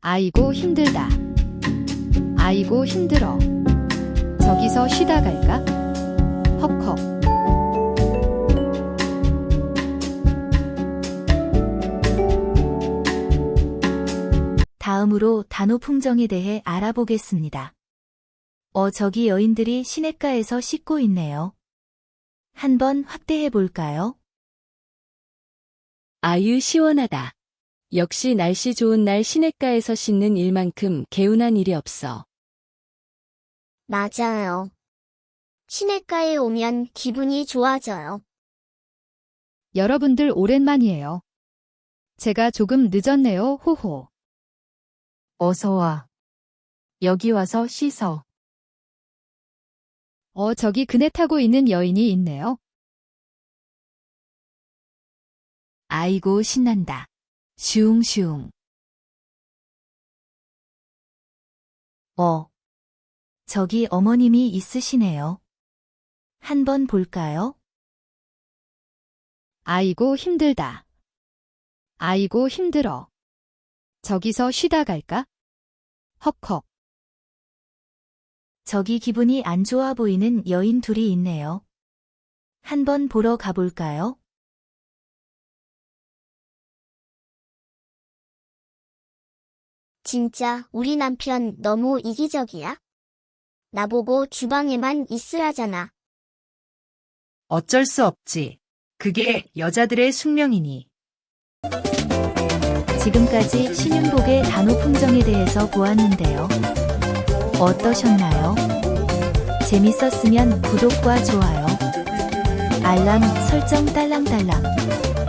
아이고 힘들다. 아이고 힘들어. 저기서 쉬다 갈까? 헉헉. 다음으로 단오 풍정에 대해 알아보겠습니다. 저기 여인들이 시냇가에서 씻고 있네요. 한번 확대해 볼까요? 아유 시원하다. 역시 날씨 좋은 날 시냇가에서 씻는 일만큼 개운한 일이 없어. 맞아요. 시냇가에 오면 기분이 좋아져요. 여러분들 오랜만이에요. 제가 조금 늦었네요. 호호. 어서 와. 여기 와서 씻어. 저기 그네 타고 있는 여인이 있네요. 아이고 신난다. 슝슝. 저기 어머님이 있으시네요. 한번 볼까요? 아이고 힘들다. 아이고 힘들어. 저기서 쉬다 갈까? 헉헉. 저기 기분이 안 좋아 보이는 여인 둘이 있네요. 한번 보러 가볼까요? 진짜 우리 남편 너무 이기적이야? 나보고 주방에만 있으라잖아. 어쩔 수 없지. 그게 여자들의 숙명이니. 지금까지 신윤복의 단오 풍정에 대해서 보았는데요. 어떠셨나요? 재밌었으면 구독과 좋아요, 알람 설정 딸랑딸랑